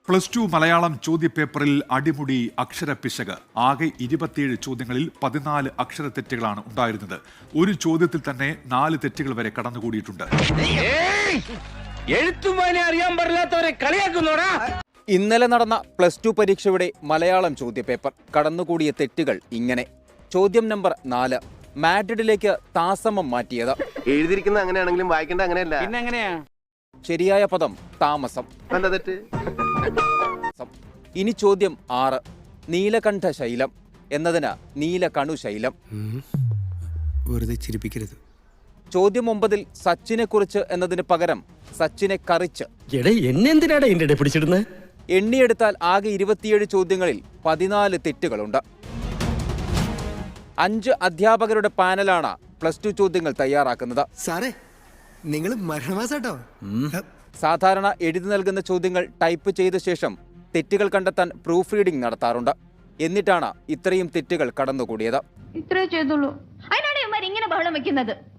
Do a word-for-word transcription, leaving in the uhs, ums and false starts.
Plus two Malayalam ചോദ്യപേപ്പറിൽ അടിമുടി അക്ഷരപ്പിശക്. ആകെ ഇരുപത്തിയേഴ് ചോദ്യങ്ങളിൽ പതിനാല് അക്ഷര തെറ്റുകളാണ് ഉണ്ടായിരുന്നത്. ഒരു ചോദ്യത്തിൽ തന്നെ നാല് തെറ്റുകൾ വരെ കടന്നുകൂടിയിട്ടുണ്ട്. ഇന്നലെ നടന്ന പ്ലസ് ടു പരീക്ഷയുടെ മലയാളം ചോദ്യപേപ്പർ കടന്നുകൂടിയ തെറ്റുകൾ ഇങ്ങനെ. ചോദ്യം നമ്പർ നാല്, മാഡ്രിഡിലേക്ക് താമസം മാറ്റിയത്. എഴുതിയിരിക്കുന്ന അങ്ങനെയാണെങ്കിലും വായിക്കേണ്ട അങ്ങനെയല്ല. പിന്നെ എങ്ങനെയാ? ശരിയായ പദം താമസം. തെറ്റ്. ഇനി ചോദ്യം ആറ്, നീലകണ്ഠ ശൈലം എന്നതിന് നീലകണു ശൈലം. വെറുതെ ചിരിപ്പിക്കരുത്. ചോദ്യം ഒമ്പതിൽ സച്ചിനെ കുറിച്ച് എന്നതിന് പകരം സച്ചിനെ കറിച്ച്. എന്നെന്തിനാണ് എന്റെ പിടിച്ചിടുന്നത്? എണ്ണിയെടുത്താൽ ആകെ ഇരുപത്തിയേഴ് ചോദ്യങ്ങളിൽ പതിനാല് തെറ്റുകളുണ്ട്. അഞ്ച് അധ്യാപകരുടെ പാനലാണ് പ്ലസ് ടു ചോദ്യങ്ങൾ തയ്യാറാക്കുന്നത്. സാറേ, നിങ്ങൾ മരണമാസാട്ടോ. സാധാരണ എഴുതി നൽകുന്ന ചോദ്യങ്ങൾ ടൈപ്പ് ചെയ്ത ശേഷം തെറ്റുകൾ കണ്ടെത്താൻ പ്രൂഫ് റീഡിംഗ് നടത്താറുണ്ട്. എന്നിട്ടാണ് ഇത്രയും തെറ്റുകൾ കടന്നുകൂടിയത്. ഇത്രേ ചെയ്തുള്ളൂ. അതിനാണ് ഇവന്മാർ ഇങ്ങനെ ബഹളം വെക്കുന്നത്.